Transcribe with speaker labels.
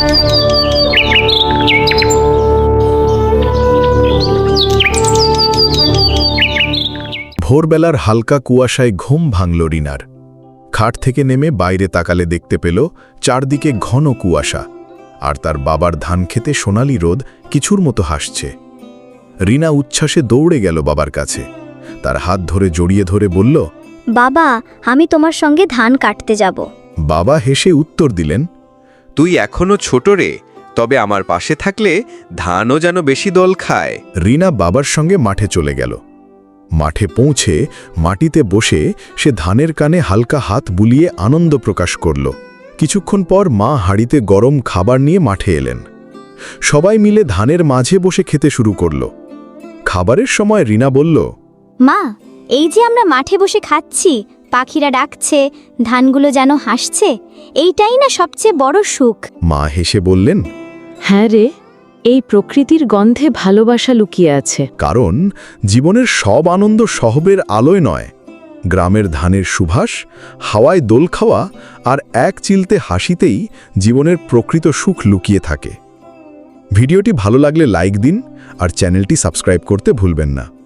Speaker 1: ভোরবেলার হালকা কুয়াশায় ঘুম ভাঙল রিনার। খাট থেকে নেমে বাইরে তাকালে দেখতে পেল চারদিকে ঘন কুয়াশা, আর তার বাবার ধান খেতে সোনালি রোদ কিছুর মতো হাসছে। রিনা উচ্ছ্বাসে দৌড়ে গেল বাবার কাছে, তার হাত ধরে জড়িয়ে ধরে বলল,
Speaker 2: বাবা, আমি তোমার সঙ্গে ধান কাটতে যাব।
Speaker 1: বাবা হেসে উত্তর দিলেন,
Speaker 3: তুই এখনো ছোট রে, তবে আমার পাশে থাকলে ধানও যেন বেশি দল খায়।
Speaker 1: রিনা বাবার সঙ্গে মাঠে চলে গেল। মাঠে পৌঁছে মাটিতে বসে সে ধানের কানে হালকা হাত বুলিয়ে আনন্দ প্রকাশ করল। কিছুক্ষণ পর মা হাঁড়িতে গরম খাবার নিয়ে মাঠে এলেন। সবাই মিলে ধানের মাঝে বসে খেতে শুরু করল। খাবারের সময় রিনা বলল,
Speaker 2: মা, এই যে আমরা মাঠে বসে খাচ্ছি, পাখিরা ডাকছে, ধানগুলো যেন হাসছে, এইটাই না সবচেয়ে বড় সুখ।
Speaker 1: মা হেসে বললেন,
Speaker 4: হ্যাঁ রে, এই প্রকৃতির গন্ধে ভালোবাসা লুকিয়ে আছে।
Speaker 1: কারণ জীবনের সব আনন্দ শহরের আলোয় নয়, গ্রামের ধানের সুবাস, হাওয়ায় দোল খাওয়া আর এক চিলতে হাসিতেই জীবনের প্রকৃত সুখ লুকিয়ে থাকে। ভিডিওটি ভালো লাগলে লাইক দিন আর চ্যানেলটি সাবস্ক্রাইব করতে ভুলবেন না।